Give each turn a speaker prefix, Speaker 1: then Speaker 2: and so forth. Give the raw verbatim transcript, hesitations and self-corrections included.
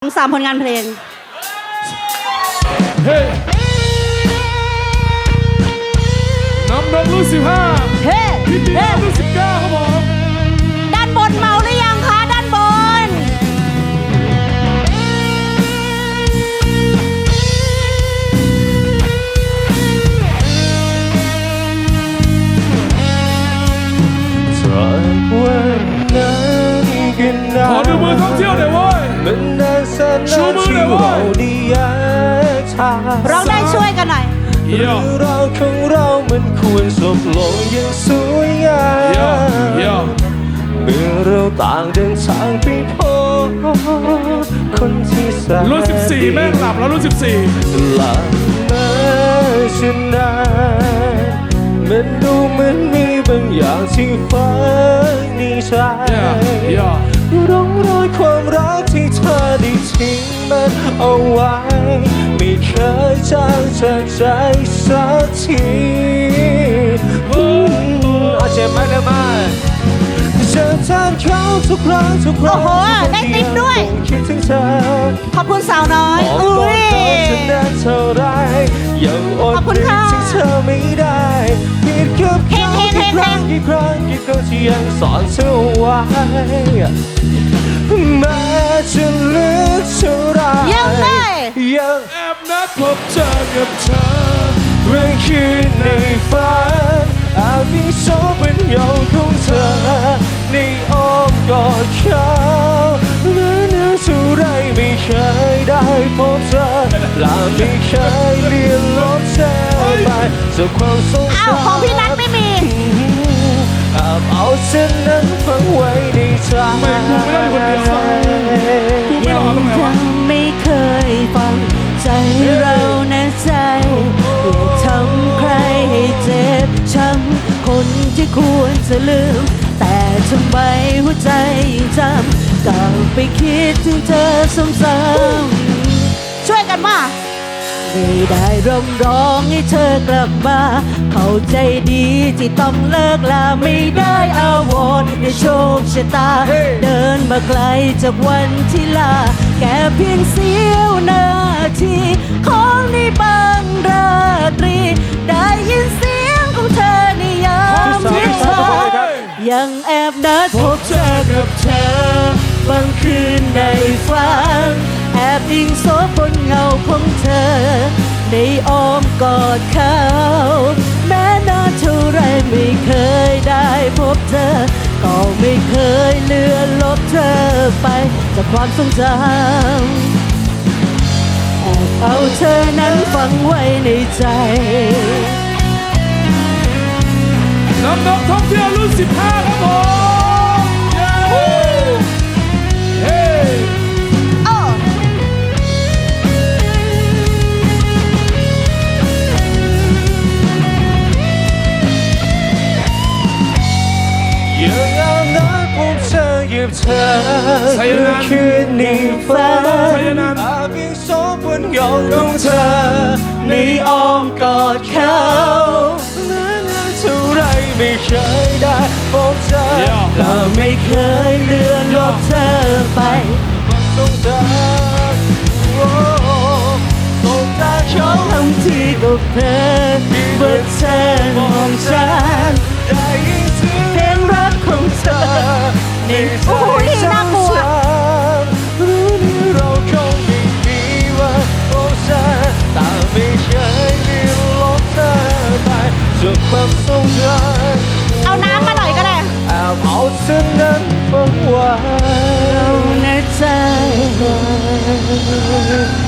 Speaker 1: สามผลงานเพลง
Speaker 2: เฮ้น้ำนมรุ่นสิบห้า
Speaker 1: เฮ้
Speaker 2: พี่เตี้ยรุ่นสิบเก้าครับผม
Speaker 1: ด้านบนเมาหรือยังคะด้านบน
Speaker 2: ขอดูมือท่องเที่ยวหน่อยเว้ยชูมือหน่อยเว้ย
Speaker 1: เราได้ช่วยกันหน่อย
Speaker 2: เรื่องราวของเรามันควรจบลงอย่างสวยงามเมื่อเราต่างเดินทางไปพบคนที่แสนรุ่นสิบสี่แม่งหลับแล้วรุ่นสิบสี่หลับมาฉันนานมันดูเหมือนมีบางอย่างที่ฝังในใจร่องรอยความรักที่เธอได้ทิ้งมันเอาไว้ไม่เคยจางจากใจสักทีอาเจ็บมากเลยมาเจอทางเขาทุกครั้งทุกครั้ง
Speaker 1: โอ้โหได้ติ๊บด้วย
Speaker 2: คิดถึงเธอ
Speaker 1: ขอบคุณสาวน้อยอุ้ย
Speaker 2: ยังอดนึกถึงเธอไม่ได้ผิดกับเขากี่ครั้งกี่ครั้งกี่ครั้งที่ยังสอนเธอไว้แม้จะลึกเท่าไร
Speaker 1: ยังไง
Speaker 2: ยังแอบนัดพบเจอกับเธอเมื่อคืนในฝันอาจมีโซเป็นเงาของเธอในอ้อมกอดเขาเมื่อนึกเท่าไรไม่เคยได้พบเธอและไม่เคยเลียนลบเธอไปจากความทรงจำ
Speaker 1: อ้าวของพี่นัทไม่มี
Speaker 2: อาบเอาเส้นนั้นฝังไว้ในใจไม่กูไม่ได้คนเดียวกูไม่รอตรงไหนวะ
Speaker 1: ไม่เคยฟังใจเราแน่ใจอย่าทำใครให้เจ็บช้ำคนที่ควรจะลืมแต่ทำไมหัวใจยังจำกลับไปคิดถึงเธอซ้ำๆช่วยกันมาไม่ได้ร้องร้องให้เธอกลับมาเข้าใจดีที่ต้องเลิกลาไม่ได้อาวรณ์ในโชคชะตา hey. เดินมาไกลจากวันที่ลาแค่เพียงเสี้ยวนาทีของในบางราตรีได้ยินเสียงของเธอในยามที่เธอยังแอบนัดพบเจอกับเธอบางคืนในฝันแอบอิงโซบนเงาของเธอในอ้อมกอดเขาแม้นานเท่าไรไม่เคยได้พบเธอก็ไม่เคยเลือนลบเธอไปจากความทรงจำแอบเอาเธอนั้นฝังไว้ในใจ
Speaker 2: น้ำนกท่องเที่ยวรุ่นสิบห้าครับผมเฮ้ยังเอาน้อยพบเธอหยิบเธอคืนนี้ฟ้าอาบยิ่งโซบนเงาของเธอในอ้อมกอดเขาเท่าไรไม่เคยได้พบเธอและไม่เคยเลื่อนลบเธอไปความทรงจำสงตาเขาทำที่กับเธอเมื่อเธอมองฉันได้ยินเสียงเพลงรักของเธอในใจฉันรู้นี่เราคงไม่มีวันพบเธอแต่ไม่เคยเลื่อนลบเธอไปจากความทรงจำ
Speaker 1: เอาน้ำมาหน่อยก็ได้
Speaker 2: แอบเอาเส้นนั้นฝังไว้
Speaker 1: ในใจ